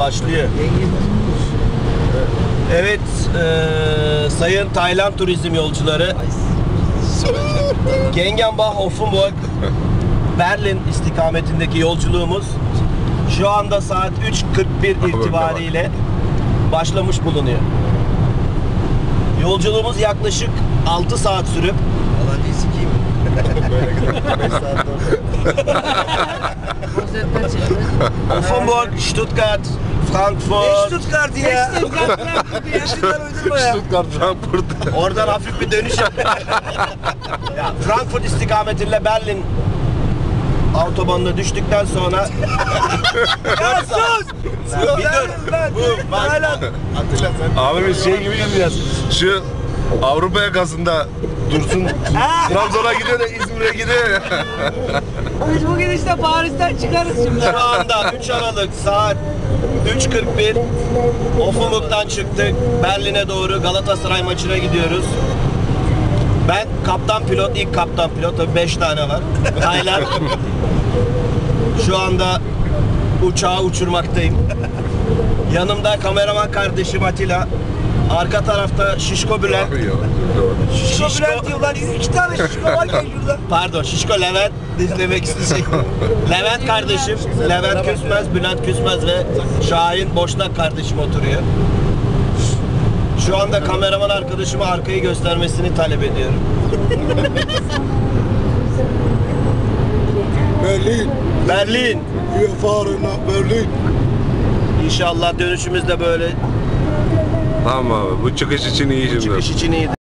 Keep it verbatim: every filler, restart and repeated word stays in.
başlıyor. Evet, e, sayın Tayland turizm yolcuları, Gengenbach Offenburg Berlin istikametindeki yolculuğumuz şu anda saat üç kırk bir itibariyle başlamış bulunuyor. Yolculuğumuz yaklaşık altı saat sürüp Alancıyı sikeyim. beş saat Offenburg, Stuttgart, Frankfurt. Stuttgart ya. Stuttgart uydurma ya. Stuttgart, Frankfurt. Oradan hafif bir dönüş. Ya, Frankfurt istikametinde Berlin autobanına düştükten sonra Ya sus! bir dur. Bu bak. Atilla sen. Abi biz şey gibi gideceğiz. Şu Avrupa yakasında Dursun Trabzon'a gidiyor da İzmir'e gidiyor. Biz bugün işte Paris'ten çıkarız şimdi. Şu anda üç Aralık saat üç kırk bir Offenburg'dan çıktık. Berlin'e doğru Galatasaray maçına gidiyoruz. Ben kaptan pilot, ilk kaptan pilot. Tabii beş tane var. Tayland. Şu anda uçağı uçurmaktayım. Yanımda kameraman kardeşim Atilla. Arka tarafta Şişko Bülent. Şişko Şişko, Bülent diyorlar. İki tane şişko var ya şurada. pardon Şişko Levent demek isteyecek. Levent kardeşim, Levent Küsmez, Bülent Küsmez ve Şahin Boşnak kardeşim oturuyor. Şu anda kameraman arkadaşıma arkayı göstermesini talep ediyorum. Berlin. Berlin. Wir fahren nach Berlin. İnşallah dönüşümüz de böyle Tamam abi, bu çıkış için iyi şimdi. çıkış için iyi.